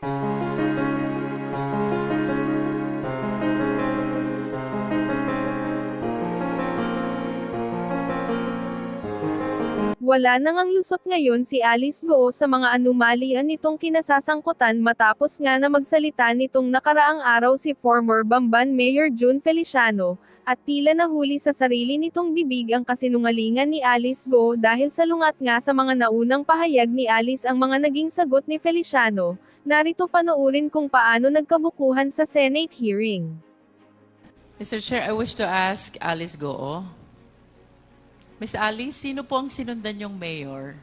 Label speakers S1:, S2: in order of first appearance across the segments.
S1: Wala nang ang lusot ngayon si Alice Go sa mga anumalian nitong kinasasangkutan matapos nga na magsalita nitong nakaraang araw si former Bamban Mayor June Feliciano, at tila nahuli sa sarili nitong bibig ang kasinungalingan ni Alice Go dahil salungat nga sa mga naunang pahayag ni Alice ang mga naging sagot ni Feliciano. Narito panoorin kung paano nagkabukuhan sa Senate hearing.
S2: Mr. Chair, I wish to ask Alice Goo. Ms. Alice, sino po ang sinundan yung mayor?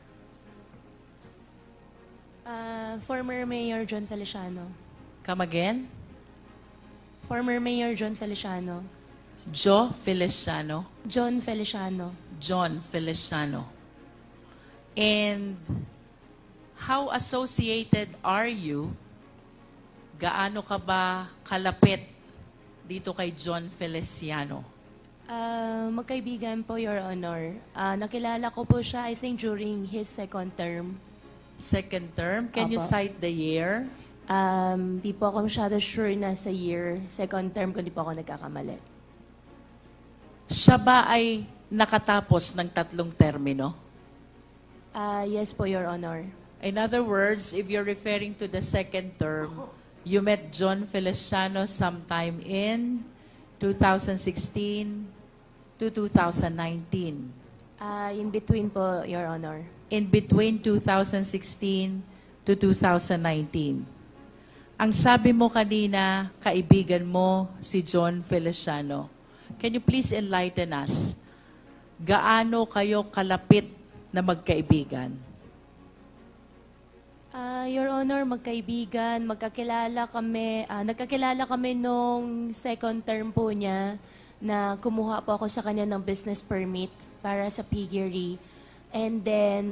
S3: Former Mayor John Feliciano.
S2: Come again?
S3: Former Mayor John Feliciano.
S2: Joe Feliciano.
S3: John Feliciano.
S2: John Feliciano. And how associated are you? Gaano ka ba kalapit dito kay John Feliciano?
S3: Magkaibigan po, Your Honor. Nakilala ko po siya, I think, during his second term.
S2: Second term? Can you
S3: Apo.
S2: cite the year?
S3: Di po ako masyado sure na sa year. Second term, kung di po ako nagkakamali.
S2: Siya ba ay nakatapos ng 3 termino?
S3: Yes po, Your Honor.
S2: In other words, if you're referring to the second term, you met John Feliciano sometime in 2016 to 2019.
S3: In between po, Your Honor.
S2: In between 2016 to 2019. Ang sabi mo kanina, kaibigan mo si John Feliciano. Can you please enlighten us? Gaano kayo kalapit na magkaibigan?
S3: Your Honor, magkaibigan, nagkakilala kami nung second term po niya na kumuha po ako sa kanya ng business permit para sa piggery. And then,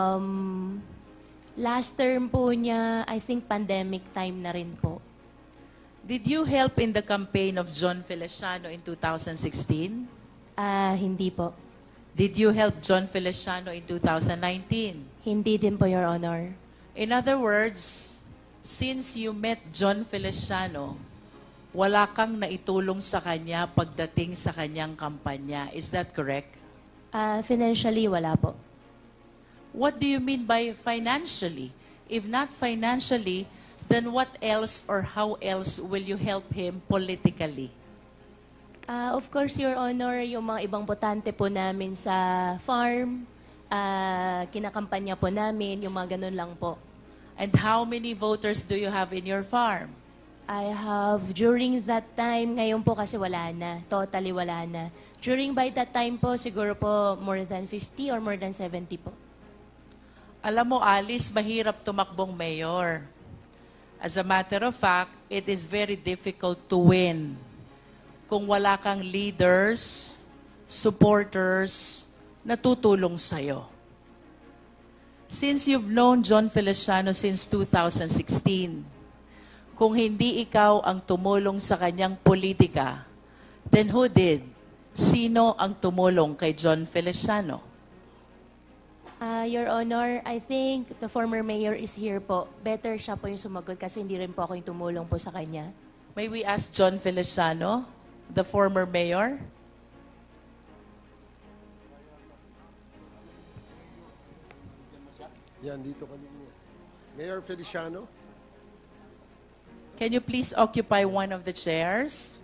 S3: last term po niya, I think pandemic time na rin po.
S2: Did you help in the campaign of John Feliciano in 2016?
S3: Hindi po.
S2: Did you help John Feliciano in 2019?
S3: Hindi din po, Your Honor.
S2: In other words, since you met John Feliciano, wala kang naitulong sa kanya pagdating sa kanyang kampanya. Is that correct?
S3: Financially, wala po.
S2: What do you mean by financially? If not financially, then what else or how else will you help him politically?
S3: Of course, Your Honor, yung mga ibang botante po namin sa farm, kinakampanya po namin, yung mga ganun lang po.
S2: And how many voters do you have in your farm?
S3: I have, during that time, ngayon po kasi wala na, totally wala na. By that time po, siguro po more than 50 or more than 70 po.
S2: Alam mo, Alice, mahirap tumakbong mayor. As a matter of fact, it is very difficult to win kung wala kang leaders, supporters, na tutulong sa'yo. Since you've known John Feliciano since 2016, kung hindi ikaw ang tumulong sa kanyang politika, then who did? Sino ang tumulong kay John Feliciano?
S3: Your Honor, I think the former mayor is here po. Better siya po yung sumagot kasi hindi rin po ako yung tumulong po sa kanya.
S2: May we ask John Feliciano, the former mayor?
S4: Yan, dito kanina. Mayor Feliciano?
S2: Can you please occupy one of the chairs?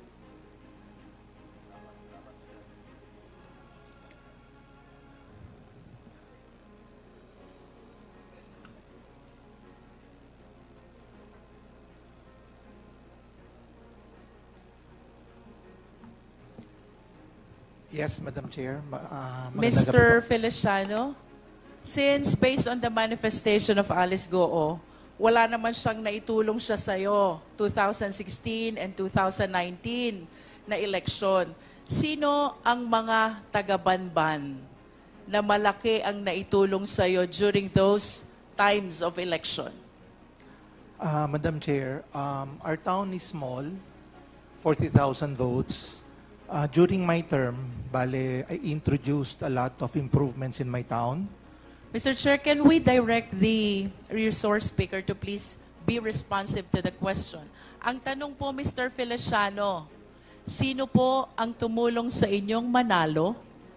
S5: Yes, Madam Chair.
S2: Mr. Feliciano, since based on the manifestation of Alice Goo, wala naman siyang naitulong siya sa'yo, 2016 and 2019 na eleksyon. Sino ang mga taga-Banban na malaki ang naitulong sa'yo during those times of election?
S5: Madam Chair, our town is small, 40,000 votes. During my term, I introduced a lot of improvements in my town.
S2: Mr. Chair, can we direct the resource speaker to please be responsive to the question. Ang tanong po, Mr. Feliciano, sino po ang tumulong sa inyong manalo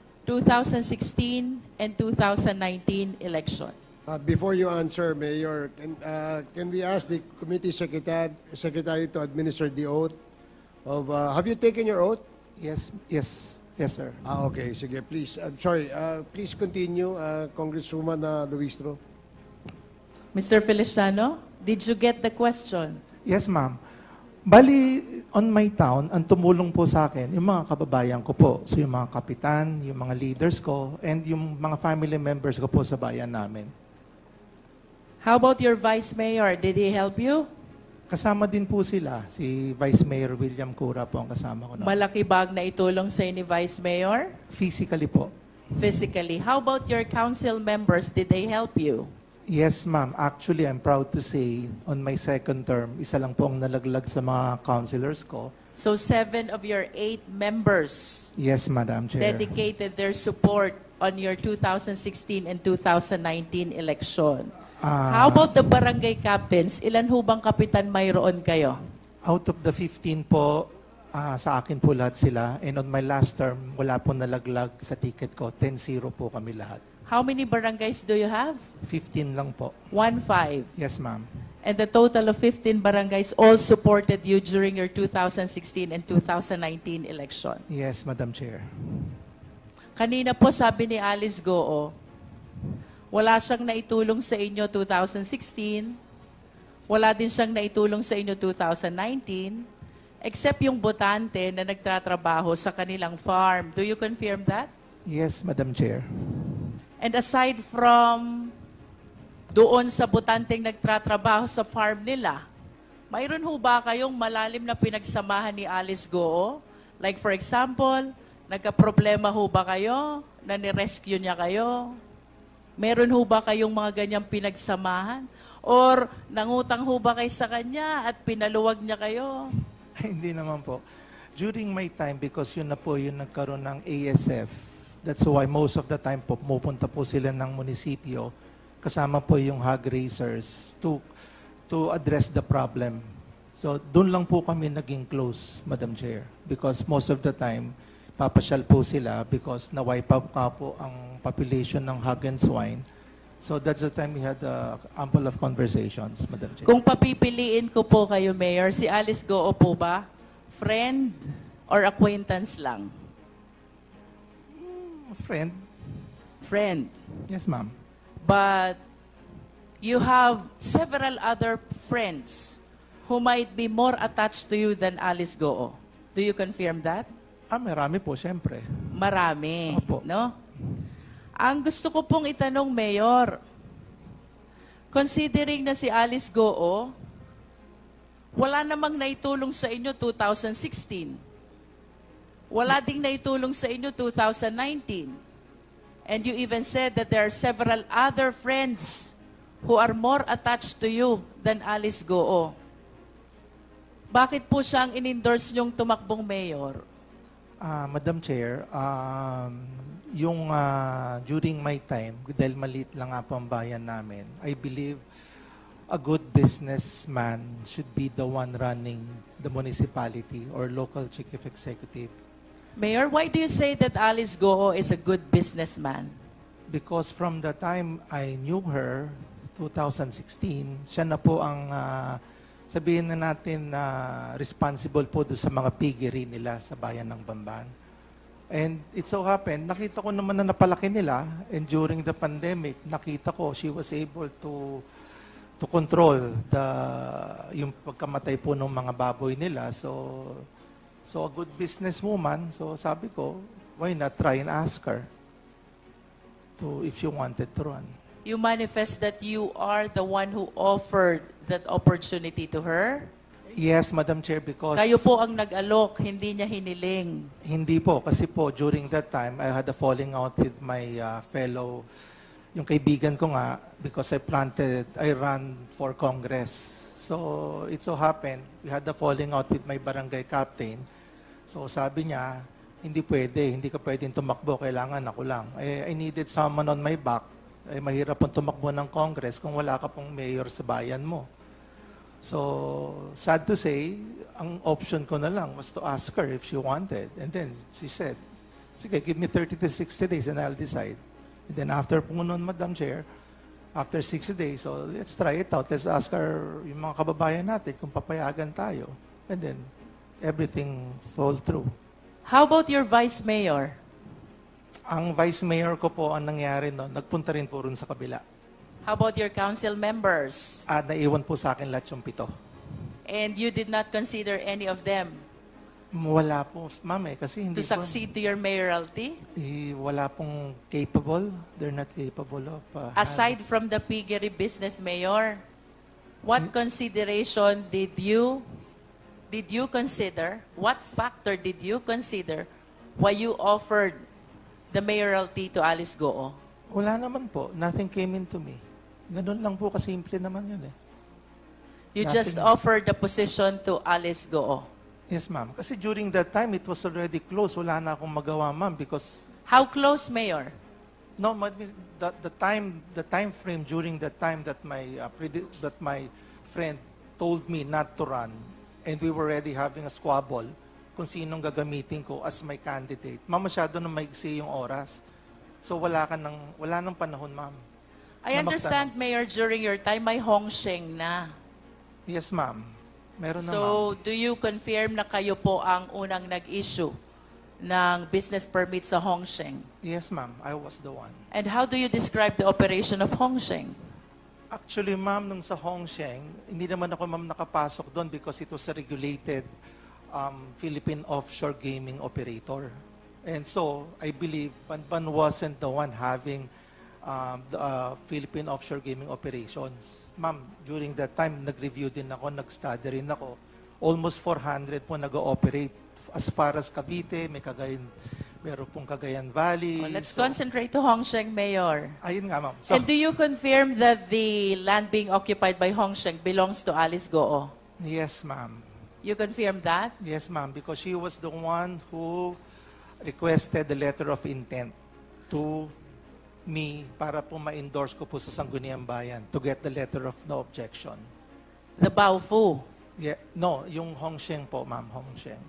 S2: 2016 and 2019 election?
S4: Before you answer, Mayor, can we ask the committee secretary to administer the oath of, have you taken your oath?
S5: Yes, sir.
S4: Okay, sige, please. I'm sorry, please continue, Congresswoman Luistro.
S2: Mr. Feliciano, did you get the question?
S5: Yes, ma'am. Bali, on my town, ang tumulong po sa akin, yung mga kababayan ko po. So yung mga kapitan, yung mga leaders ko, and yung mga family members ko po sa bayan namin.
S2: How about your vice mayor? Did he help you?
S5: Kasama din po sila. Si Vice Mayor William Cura po ang kasama ko.
S2: Malaki bag na itulong sa ni vice mayor?
S5: Physically po.
S2: Physically. How about your council members? Did they help you?
S5: Yes, ma'am. Actually, I'm proud to say, on my second term, isa lang po ang nalaglag sa mga councilors ko.
S2: So 7 of your 8 members
S5: Yes, Madam Chair.
S2: dedicated their support on your 2016 and 2019 election. How about the barangay captains? Ilan ho bang kapitan mayroon kayo?
S5: Out of the 15 po, sa akin po lahat sila. And on my last term, wala po nalaglag sa ticket ko. 10-0 po kami lahat.
S2: How many barangays do you have?
S5: 15 lang po.
S2: 1-5.
S5: Yes, ma'am.
S2: And the total of 15 barangays all supported you during your 2016 and 2019 election.
S5: Yes, Madam Chair.
S2: Kanina po sabi ni Alice Goo, wala siyang naitulong sa inyo 2016, wala din siyang naitulong sa inyo 2019, except yung botante na nagtatrabaho sa kanilang farm. Do you confirm that?
S5: Yes, Madam Chair.
S2: And aside from doon sa botanteng nagtatrabaho sa farm nila, mayroon ho ba kayong malalim na pinagsamahan ni Alice Goo? Like for example, nagka-problema ho ba kayo? Na ni-rescue niya kayo? Meron ho ba kayong mga ganyang pinagsamahan? Or nangutang ho ba kayo sa kanya at pinaluwag niya kayo?
S5: Hindi naman po. During my time, because yun na po yung nagkaroon ng ASF, that's why most of the time po, pumupunta po sila ng munisipyo, kasama po yung hog raisers to address the problem. So, doon lang po kami naging close, Madam Chair. Because most of the time, papasyal po sila because na-wipe out nga po ang population ng hog and swine. So, that's the time we had ample of conversations, Madam Chair.
S2: Kung papipiliin ko po kayo, Mayor, si Alice Goo po ba? Friend or acquaintance lang?
S5: Friend?
S2: Friend.
S5: Yes, ma'am.
S2: But you have several other friends who might be more attached to you than Alice Goo. Do you confirm that?
S5: Marami po, siyempre.
S2: Marami,
S5: Opo.
S2: no? Ang gusto ko pong itanong, Mayor, considering na si Alice Goo, wala namang naitulong sa inyo 2016. Wala ding naitulong sa inyo 2019. And you even said that there are several other friends who are more attached to you than Alice Goo. Bakit po siya ang in-endorse niyong tumakbong mayor?
S5: Madam Chair, during my time, dahil maliit lang nga po ang bayan namin, I believe a good businessman should be the one running the municipality or local chief executive.
S2: Mayor, why do you say that Alice Goo is a good businessman?
S5: Because from the time I knew her, 2016, siya na po ang, sabihin na natin, responsible po doon sa mga piggery nila sa bayan ng Bamban. And it so happened, nakita ko naman na napalaki nila, and during the pandemic, nakita ko she was able to control yung pagkamatay po ng mga baboy nila. So a good businesswoman, so sabi ko, why not try and ask her if you wanted to run.
S2: You manifest that you are the one who offered that opportunity to her?
S5: Yes, Madam Chair, because...
S2: Kayo po ang nag-alok, hindi niya hiniling.
S5: Hindi po, kasi po, during that time, I had a falling out with my fellow, yung kaibigan ko nga, because I ran for Congress. So, it so happened, we had a falling out with my barangay captain. So, sabi niya, hindi ka pwedeng tumakbo, kailangan ako lang. I needed someone on my back. Mahirap pong tumakbo ng Congress kung wala ka pong mayor sa bayan mo. So, sad to say, ang option ko na lang was to ask her if she wanted. And then she said, sige, give me 30 to 60 days and I'll decide. And then after po nun, Madam Chair, after 60 days, so let's try it out. Let's ask our, yung mga kababayan natin kung papayagan tayo. And then, everything fall through.
S2: How about your vice mayor?
S5: Ang vice mayor ko po, ang nangyari no, nagpunta rin po rin sa kabila.
S2: How about your council members?
S5: At naiwan po sa akin lahat yung 7.
S2: And you did not consider any of them
S5: Wala po, ma'am kasi hindi
S2: to succeed to your mayoralty?
S5: wala pong capable. They're not capable of...
S2: Aside from the piggery business mayor, what consideration did you consider, what factor did you consider why you offered the mayoralty to Alice Goo?
S5: Wala naman po. Nothing came into me. Ganun lang po kasimple naman yun eh.
S2: You just
S5: Nothing.
S2: offered the position to Alice Goo.
S5: Yes, ma'am. Kasi during that time, it was already closed. Wala na akong magawa, ma'am, because
S2: How close, Mayor?
S5: no, the time frame during that time that my friend told me not to run, and we were already having a squabble kung sinong gagamitin ko as my candidate. Ma'am, masyado na maigsi yung oras. So wala nang panahon, ma'am.
S2: I understand, Mayor, during your time, may Hongsheng na.
S5: Yes, ma'am. Meron na, ma'am.
S2: So, do you confirm na kayo po ang unang nag-issue ng business permit sa Hongsheng?
S5: Yes, ma'am. I was the one.
S2: And how do you describe the operation of Hongsheng?
S5: Actually, ma'am, nung sa Hongsheng, hindi naman ako, ma'am, nakapasok doon because it was a regulated Philippine offshore gaming operator. And so, I believe Banban wasn't the one having the Philippine offshore gaming operations. Ma'am, during that time, nag-review din ako, nag-study rin ako. Almost 400 po nag-ooperate as far as Cavite, meron pong Cagayan Valley.
S2: Let's
S5: So,
S2: concentrate to Hongsheng, Mayor.
S5: ayun nga, ma'am. So,
S2: And do you confirm that the land being occupied by Hongsheng belongs to Alice Goo?
S5: yes, ma'am.
S2: You confirm that?
S5: Yes, ma'am, because she was the one who requested the letter of intent to me para po ma-endorse ko po sa Sangguniang Bayan to get the letter of no objection.
S2: The Baofu.
S5: Yeah, no, yung Hongsheng po, ma'am, Hongsheng.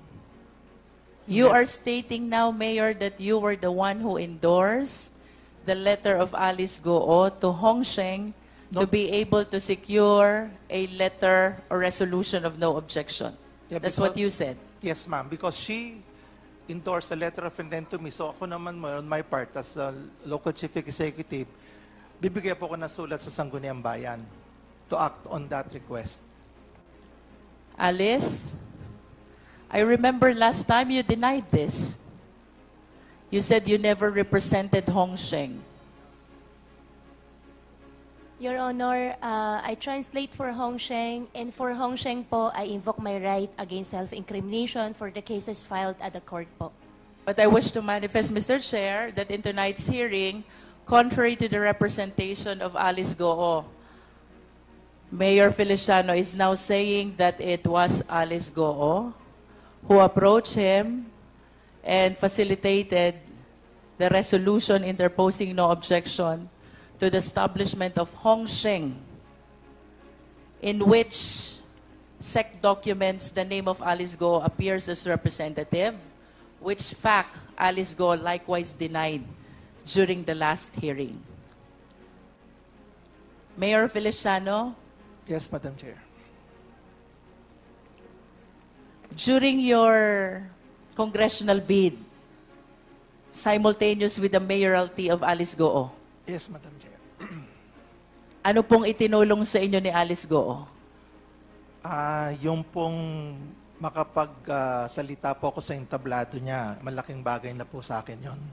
S2: You are stating now, Mayor, that you were the one who endorsed the letter of Alice Goo to Hongsheng to
S5: No.
S2: be able to secure a letter or resolution of no objection.
S5: Yeah,
S2: That's
S5: because-
S2: what you said.
S5: Yes, ma'am, because she endorsed a letter of intent to me. So ako naman, on my part, as a local chief executive, bibigyan po ko ng sulat sa Sangguniang Bayan to act on that request.
S2: Alice, I remember last time you denied this. You said you never represented Hongsheng.
S3: Your Honor, I translate for Hongsheng, and for Hongsheng po, I invoke my right against self-incrimination for the cases filed at the court po.
S2: But I wish to manifest, Mr. Chair, that in tonight's hearing, contrary to the representation of Alice Goo, Mayor Feliciano is now saying that it was Alice Goo who approached him and facilitated the resolution interposing no objection to the establishment of Hongsheng, in which SEC documents the name of Alice Goo appears as representative, which fact Alice Goo likewise denied during the last hearing. Mayor Feliciano,
S5: Yes, Madam Chair.
S2: during your congressional bid, simultaneous with the mayoralty of Alice Goo,
S5: Yes, Madam Chair.
S2: ano pong itinulong sa inyo ni Alice Goo?
S5: Yung pong makapagsalita po ako sa entablado niya, malaking bagay na po sa akin yon.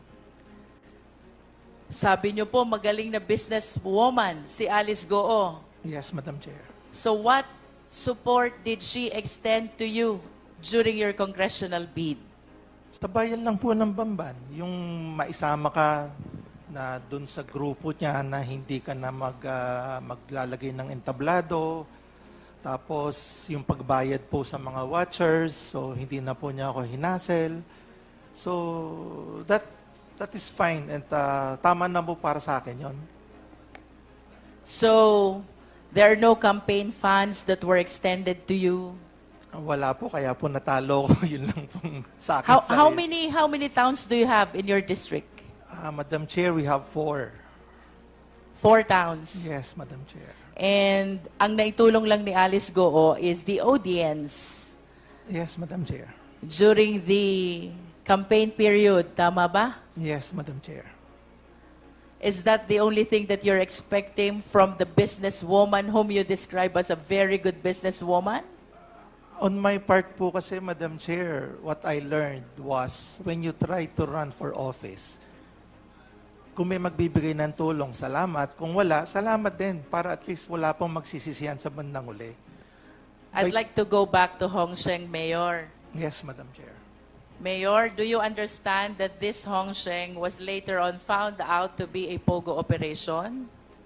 S2: Sabi niyo po, magaling na businesswoman si Alice Goo.
S5: Yes, Madam Chair.
S2: So what support did she extend to you during your congressional bid?
S5: Sa bayan lang po ng Bamban, yung maisama ka na dun sa grupo niya na hindi ka na maglalagay ng entablado, tapos yung pagbayad po sa mga watchers, so hindi na po niya ako hinasel. So that is fine and tama na po para sa akin yon.
S2: So There are no campaign funds that were extended to you.
S5: Wala po, kaya po natalo ko. Yun lang pong sa akin.
S2: How many towns do you have in your district?
S5: Madam Chair, we have 4.
S2: 4 towns.
S5: Yes, Madam Chair.
S2: And ang naitulong lang ni Alice Goo is the audience
S5: Yes, Madam Chair.
S2: during the campaign period. Tama ba?
S5: Yes, Madam Chair.
S2: Is that the only thing that you're expecting from the businesswoman whom you describe as a very good businesswoman?
S5: On my part po kasi, Madam Chair, what I learned was when you try to run for office, kung may magbibigay ng tulong, salamat. Kung wala, salamat din para at least wala pong magsisisihan sa bandang uli.
S2: I'd like to go back to Hong Sheng, Mayor.
S5: Yes, Madam Chair.
S2: Mayor, do you understand that this Hong Sheng was later on found out to be a POGO operation?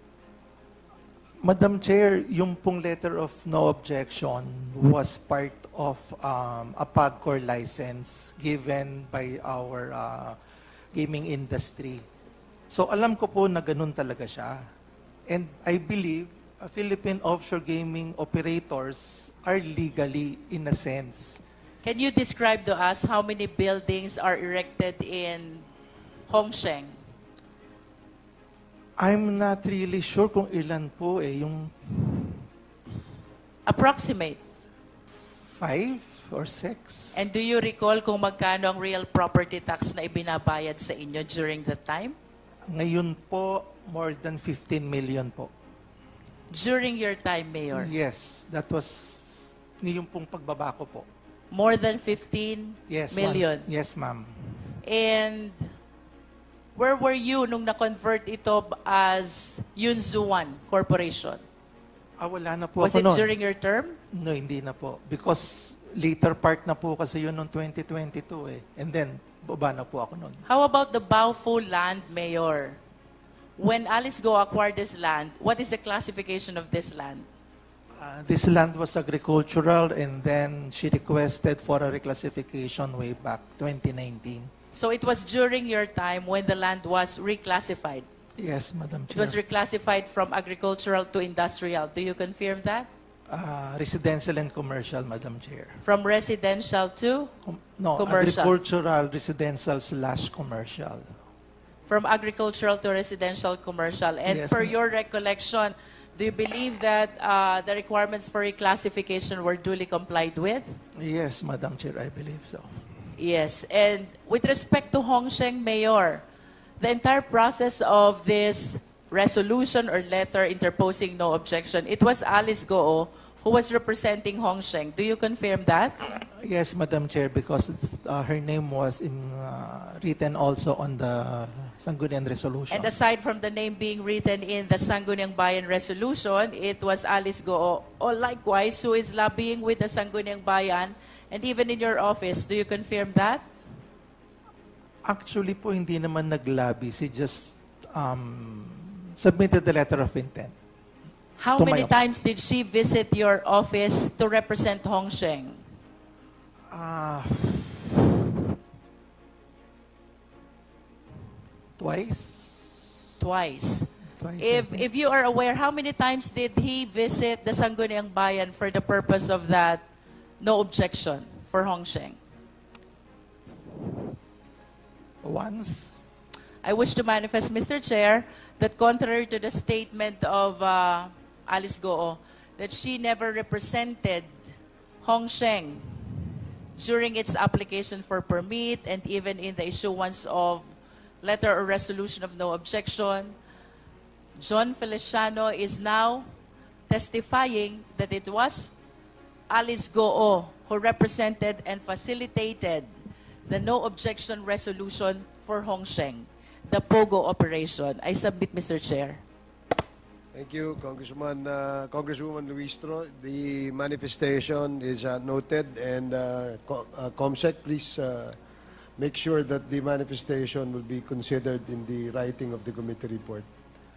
S5: Madam Chair, yung pong letter of no objection was part of a PAGCOR license given by our gaming industry. So alam ko po na ganun talaga siya. And I believe Philippine offshore gaming operators are legally in a sense.
S2: Can you describe to us how many buildings are erected in Hong Sheng?
S5: I'm not really sure kung ilan po yung
S2: Approximate.
S5: 5 or 6.
S2: And do you recall kung magkano ang real property tax na ibinabayad sa inyo during that time?
S5: Ngayon po, more than 15 million po.
S2: During your time, Mayor?
S5: Yes, that was yung pong pagbaba ko po.
S2: More than 15
S5: Yes,
S2: million?
S5: ma'am. Yes, ma'am.
S2: And where were you nung na-convert ito as Yunzuan Corporation?
S5: Wala na po
S2: Was
S5: ako
S2: it
S5: noon.
S2: during your term?
S5: No, hindi na po. Because later part na po kasi yun noong 2022 eh. And then, baba na po ako noon.
S2: How about the Baofu land, Mayor? When Alice Go acquired this land, what is the classification of this land?
S5: This land was agricultural and then she requested for a reclassification way back 2019.
S2: So it was during your time when the land was reclassified.
S5: Yes, Madam
S2: It
S5: Chair.
S2: was reclassified from agricultural to industrial. Do you confirm that?
S5: Residential and commercial, Madam Chair.
S2: From residential to?
S5: No,
S2: Commercial.
S5: agricultural, residential / commercial.
S2: From agricultural to residential commercial. And
S5: Yes,
S2: per
S5: ma'am.
S2: your recollection, do you believe that the requirements for reclassification were duly complied with?
S5: Yes, Madam Chair, I believe so.
S2: Yes. And with respect to Hong Sheng, Mayor, the entire process of this resolution or letter interposing no objection, it was Alice Goo who was representing Hong Sheng. Do you confirm that?
S5: Yes, Madam Chair, because her name was written also on the Sangguniang Resolution.
S2: And aside from the name being written in the Sangguniang Bayan Resolution, it was Alice Goo, or likewise, who is lobbying with the Sangguniang Bayan, and even in your office. Do you confirm that?
S5: Actually po, hindi naman naglabi. She just submitted the letter of intent.
S2: How
S5: To
S2: many
S5: my-
S2: times did she visit your office to represent Hong Sheng?
S5: Twice?
S2: Twice.
S5: Twice, I think.
S2: If you are aware, how many times did he visit the Sangguniang Bayan for the purpose of that no objection for Hong Sheng?
S5: Once?
S2: I wish to manifest, Mr. Chair, that contrary to the statement of Alice Goo, that she never represented Hong Sheng during its application for permit and even in the issuance of letter or resolution of no objection. John Feliciano is now testifying that it was Alice Goo who represented and facilitated the no objection resolution for Hong Sheng, the POGO operation. I submit, Mr. Chair.
S4: Thank you, Congresswoman Luistro. The manifestation is noted, and COMSEC, please make sure that the manifestation will be considered in the writing of the committee report.